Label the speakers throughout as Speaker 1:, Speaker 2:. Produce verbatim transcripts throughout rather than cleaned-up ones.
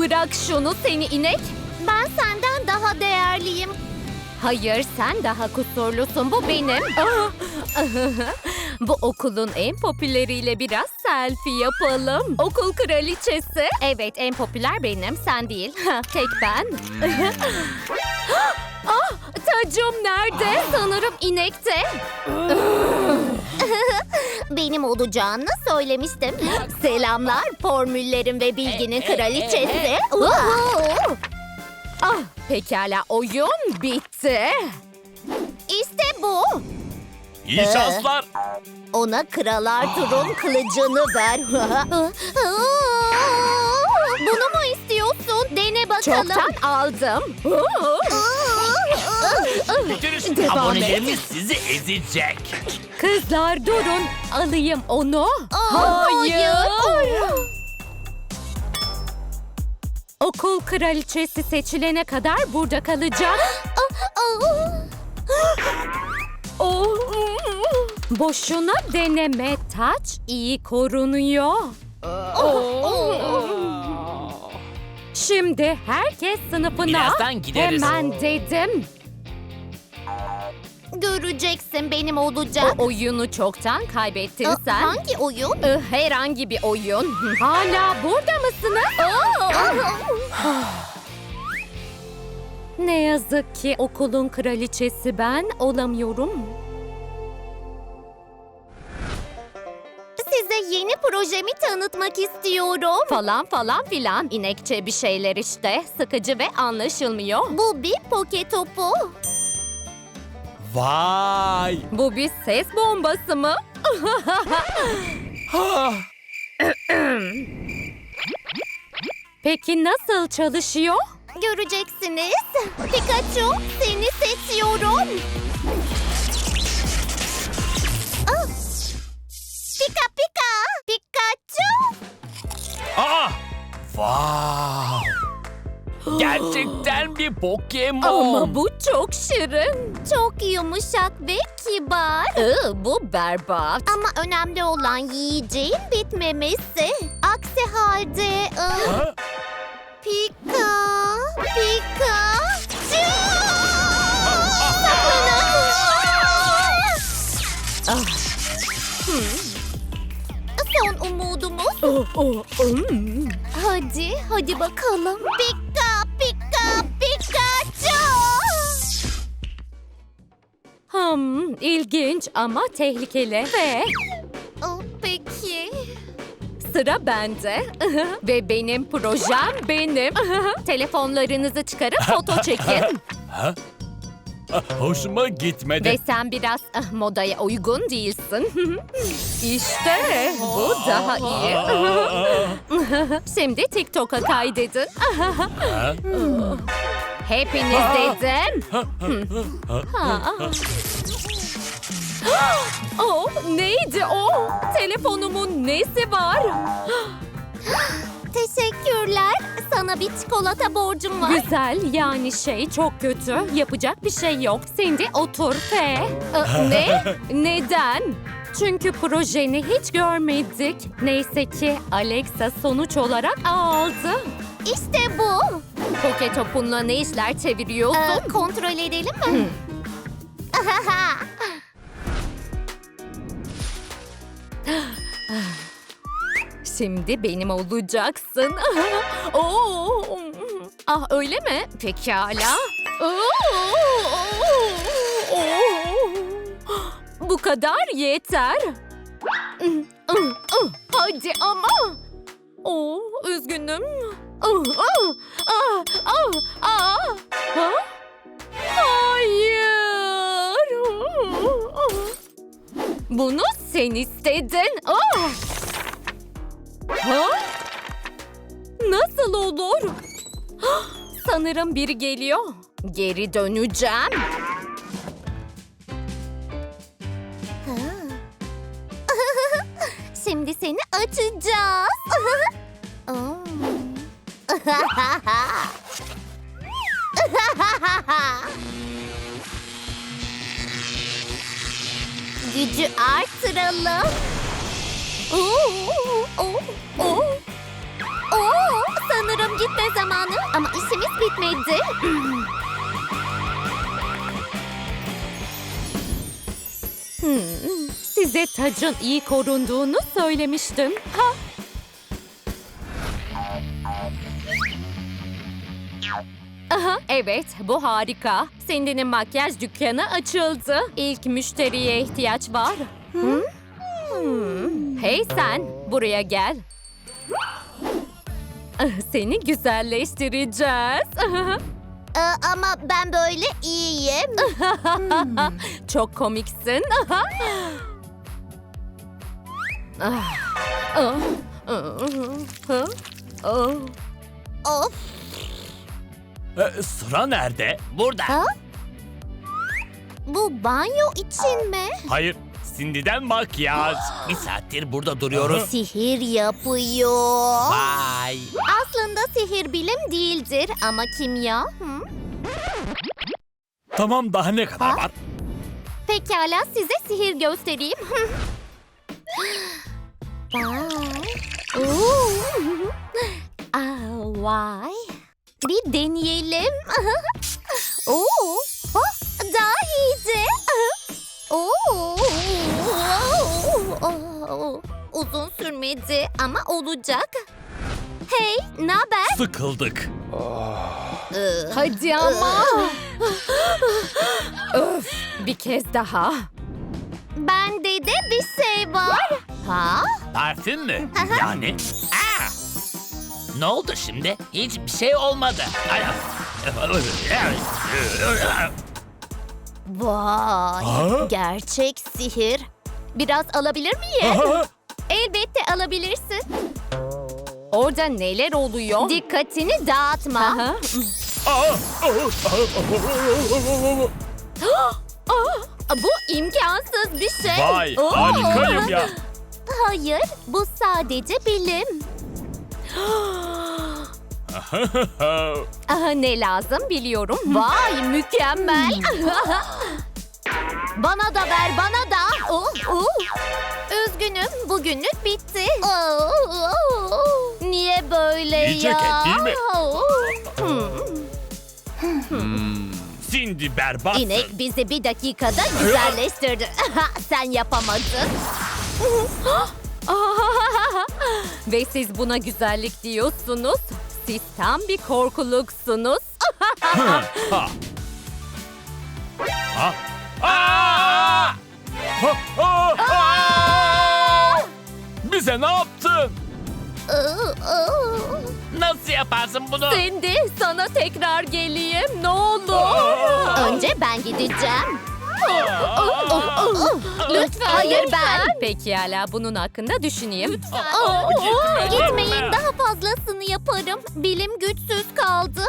Speaker 1: Bırak şunu seni inek.
Speaker 2: Ben senden daha değerliyim.
Speaker 1: Hayır, sen daha kusurlusun. Bu benim. Ah! Bu okulun en popüleriyle biraz selfie yapalım. Okul kraliçesi. Evet, en popüler benim, sen değil. Tek ben. Ah, tacım nerede? Sanırım inekte.
Speaker 2: Benim olacağını söylemiştim. Selamlar, formüllerin ve bilginin kraliçesi.
Speaker 1: Ah, pekala, oyun bitti.
Speaker 2: İşte bu.
Speaker 3: İyi şanslar.
Speaker 2: Ona Kralar Tur'un kılıcını ver. Bunu mu istiyorsun? Dene bakalım.
Speaker 1: Çoktan aldım.
Speaker 3: Bitirin.
Speaker 1: Devam
Speaker 3: Abonelerimiz sizi ezecek.
Speaker 1: Kızlar durun, alayım onu.
Speaker 2: Hayır.
Speaker 1: Okul kraliçesi seçilene kadar burada kalacak. Oh. Boşuna deneme, taç iyi korunuyor. Şimdi herkes sınıfına.
Speaker 3: Birazdan gideriz.
Speaker 1: Hemen dedim.
Speaker 2: Göreceksin benim olacak.
Speaker 1: O oyunu çoktan kaybettin
Speaker 2: Aa,
Speaker 1: sen.
Speaker 2: Hangi oyun?
Speaker 1: Ee, Herhangi bir oyun. Hala burada mısınız? Ne yazık ki okulun kraliçesi ben olamıyorum.
Speaker 2: Size yeni projemi tanıtmak istiyorum.
Speaker 1: Falan falan filan. İnekçe bir şeyler işte. Sıkıcı ve anlaşılmıyor.
Speaker 2: Bu bir poke topu.
Speaker 3: Vay.
Speaker 1: Bu bir ses bombası mı?
Speaker 3: Ha.
Speaker 1: Peki nasıl çalışıyor?
Speaker 2: Göreceksiniz. Pikachu, seni seçiyorum. Ah! Pika pika. Pikachu.
Speaker 3: Aa. Wow. Gerçekten bir Pokemon.
Speaker 1: Ama bu çok şirin.
Speaker 2: Çok yumuşak ve kibar.
Speaker 1: Iı, bu berbat.
Speaker 2: Ama önemli olan yiyeceğin bitmemesi. Aksi halde... ıı,
Speaker 3: Ha?
Speaker 2: Pika, Pikachu! Saklanın!
Speaker 1: Ah.
Speaker 2: Son umudumuz.
Speaker 1: Oh, oh, um.
Speaker 2: Hadi, hadi bakalım. Pika, Pika, Pikachu!
Speaker 1: Hmm, ilginç ama tehlikeli ve
Speaker 2: Oh, peki.
Speaker 1: sıra bende. Ve benim projem benim. Telefonlarınızı çıkarıp foto çekin.
Speaker 3: Ha? Ah, hoşuma gitmedi.
Speaker 1: Ve sen biraz ah, modaya uygun değilsin. İşte bu daha iyi. Şimdi TikTok'a kaydedin.
Speaker 3: Ha?
Speaker 1: Hepiniz dedim. Ha. Oh, neydi o? Telefonumun nesi var?
Speaker 2: Teşekkürler. Sana bir çikolata borcum var.
Speaker 1: Güzel, yani şey çok kötü. Yapacak bir şey yok. Cindy otur ve... Ee, ne? Neden? Çünkü projeni hiç görmedik. Neyse ki Alexa sonuç olarak aldı.
Speaker 2: İşte bu.
Speaker 1: Poke topunla ne işler çeviriyorsun?
Speaker 2: Ee, kontrol edelim mi?
Speaker 1: Şimdi benim olacaksın. Oo. Ah öyle mi? Pekala. Bu kadar yeter. Hadi ama. Oo, üzgünüm. Ha? Hayır. Bunu sen istedin. Ah! Ha? Nasıl olur? Hah, sanırım biri geliyor. Geri döneceğim.
Speaker 2: Şimdi seni açacağız. Gücü artıralım. Oo, oo, oo. Oo, sanırım gitme zamanı. Ama işimiz bitmedi.
Speaker 1: Hmm, size tacın iyi korunduğunu söylemiştim. Ha? Aha, evet, bu harika. Cindy'nin makyaj dükkanı açıldı. İlk müşteriye ihtiyaç var. Hı? Hmm. Hey sen, buraya gel. Ah, Seni güzelleştireceğiz.
Speaker 2: Ee, ama ben böyle iyiyim.
Speaker 1: Çok komiksin. Ah. Ah. Ah. Ah. Ah.
Speaker 2: Of.
Speaker 3: E, sıra nerede?
Speaker 4: Burada.
Speaker 2: Ha? Bu banyo için mi?
Speaker 3: Hayır. Cindy'den makyaj.
Speaker 4: Bir saattir burada duruyoruz.
Speaker 2: Sihir yapıyor.
Speaker 4: Vay.
Speaker 2: Aslında sihir bilim değildir ama kimya. Hı?
Speaker 3: Tamam, daha ne kadar
Speaker 2: Ha?
Speaker 3: var?
Speaker 2: Pekala size sihir göstereyim. Vay. Oo. Aa, vay. Bir deneyelim. Oo. Oh, daha iyice. Oo. Uzun sürmedi ama olacak. Hey, ne haber?
Speaker 3: Sıkıldık.
Speaker 1: Hadi ama. Öf, bir kez daha.
Speaker 2: Bende de bir şey var. Ha?
Speaker 4: Parfüm mü? Yani? Aa! Ne oldu şimdi? Hiçbir şey olmadı. Ay-
Speaker 2: Vay.
Speaker 3: Ha?
Speaker 2: Gerçek sihir. Biraz alabilir miyim?
Speaker 3: Aha!
Speaker 2: Elbette alabilirsin.
Speaker 1: Orada neler oluyor?
Speaker 2: Dikkatini dağıtma.
Speaker 1: Aha.
Speaker 3: Aa!
Speaker 2: Aa, bu imkansız bir şey.
Speaker 3: Vay,
Speaker 2: Oo.
Speaker 3: harikayım ya.
Speaker 2: Hayır, bu sadece bilim.
Speaker 1: Aha, ne lazım biliyorum.
Speaker 2: Vay, mükemmel. Bana da ver, bana da. Oh, oh. Üzgünüm, bugünlük bitti. Oh, oh, oh. Niye böyle
Speaker 3: İyi
Speaker 2: ya?
Speaker 3: ceket değil mi?
Speaker 2: Oh.
Speaker 3: Cindy berbatsın.
Speaker 2: İnek bizi bir dakikada güzelleştirdi. Sen yapamadın.
Speaker 1: Ve siz buna güzellik diyorsunuz. Siz tam bir korkuluksunuz.
Speaker 3: Ha. Ha. Aa! Ha, ha, ha! Bize ne yaptın?
Speaker 4: Nasıl yaparsın bunu?
Speaker 1: Cindy, sana tekrar geleyim. Ne olur.
Speaker 3: Aa!
Speaker 2: Önce ben gideceğim.
Speaker 1: Lütfen.
Speaker 2: Hayır, ben.
Speaker 1: Pekala, bunun hakkında düşüneyim.
Speaker 3: Aa, gitme.
Speaker 2: Gitmeyin, daha fazlasını yaparım. Bilim güçsüz kaldı.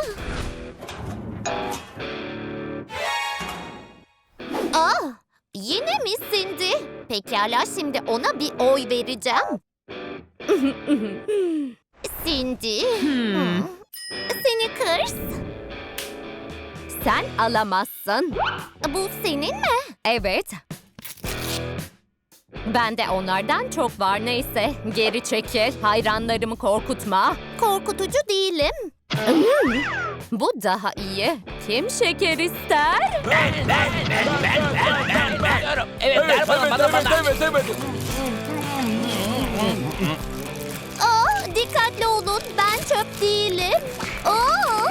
Speaker 2: Aa, yine mi Cindy? Pekala, şimdi ona bir oy vereceğim. Cindy.
Speaker 1: Hmm.
Speaker 2: Seni kırs.
Speaker 1: Sen alamazsın.
Speaker 2: Bu senin mi?
Speaker 1: Evet. Bende onlardan çok var, neyse. Geri çekil. Hayranlarımı korkutma.
Speaker 2: Korkutucu değilim.
Speaker 1: Bu daha iyi. Kim şeker ister?
Speaker 4: Ben, ben, ben, ben, ben, ben, ben. Diyorum. Evet, ver
Speaker 3: Evet,
Speaker 4: bana,
Speaker 3: evet,
Speaker 4: bana,
Speaker 3: evet,
Speaker 4: bana.
Speaker 3: evet, evet.
Speaker 2: Aa, dikkatli olun, ben çöp değilim. Aa!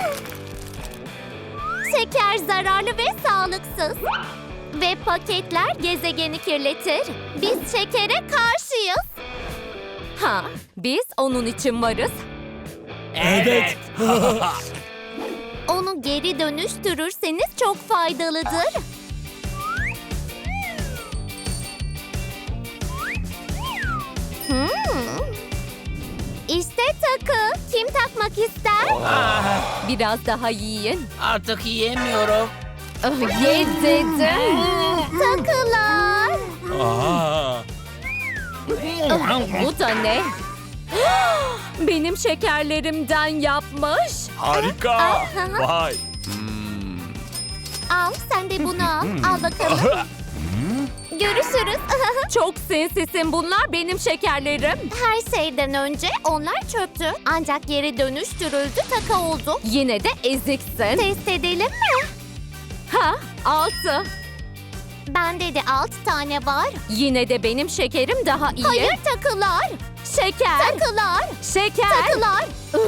Speaker 2: Şeker zararlı ve sağlıksız. Ve paketler gezegeni kirletir. Biz şekere karşıyız.
Speaker 1: Ha, biz onun için varız.
Speaker 4: Evet.
Speaker 2: Onu geri dönüştürürseniz çok faydalıdır. Hmm. İşte takı. Kim takmak ister?
Speaker 4: Ah,
Speaker 1: Biraz daha yiyin.
Speaker 4: artık yiyemiyorum.
Speaker 1: Ah, ye dedim.
Speaker 2: Takılar.
Speaker 3: Aa!
Speaker 1: Ah, bu da ne? Benim şekerlerimden yapmış.
Speaker 3: Harika. Vay.
Speaker 2: Al, sen de bunu al. Al bakalım. Görüşürüz.
Speaker 1: Çok sinsisin, bunlar benim şekerlerim.
Speaker 2: Her şeyden önce onlar çöptü. Ancak geri dönüştürüldü, taka oldu.
Speaker 1: Yine de eziksin.
Speaker 2: Test edelim mi?
Speaker 1: Ha, altı.
Speaker 2: Bende de altı tane var.
Speaker 1: Yine de benim şekerim daha iyi.
Speaker 2: Hayır, takılar.
Speaker 1: Şeker.
Speaker 2: Takılar.
Speaker 1: Şeker.
Speaker 2: Takılar.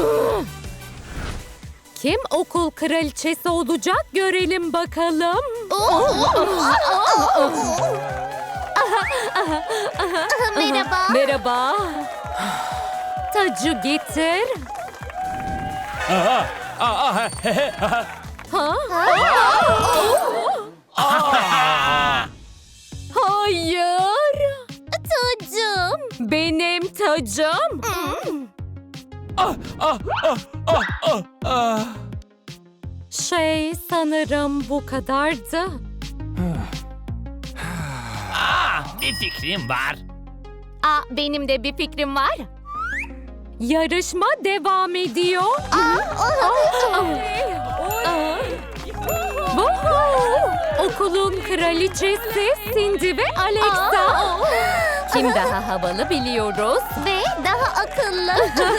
Speaker 1: Kim okul kraliçesi olacak görelim bakalım.
Speaker 2: Merhaba.
Speaker 1: Merhaba. Tacı getir.
Speaker 3: Aa, aa, he, he, he, ha.
Speaker 1: Ha? Hayır.
Speaker 2: Tacım.
Speaker 1: Benim tacım.
Speaker 3: Ah, ah, ah, ah, ah, ah.
Speaker 1: Şey, sanırım bu kadardı.
Speaker 4: Aa, bir fikrim var.
Speaker 1: Aa, benim de bir fikrim var. Yarışma devam ediyor. Woohoo! Okulun kraliçesi Cindy ve Alexa. Kim daha havalı biliyoruz.
Speaker 2: Ve daha akıllı.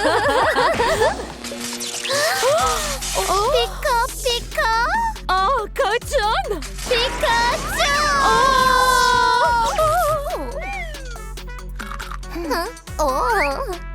Speaker 2: Pika pika.
Speaker 1: Ah, kaçın.
Speaker 2: Pikachu.
Speaker 1: Aa!
Speaker 2: Hı? Oo.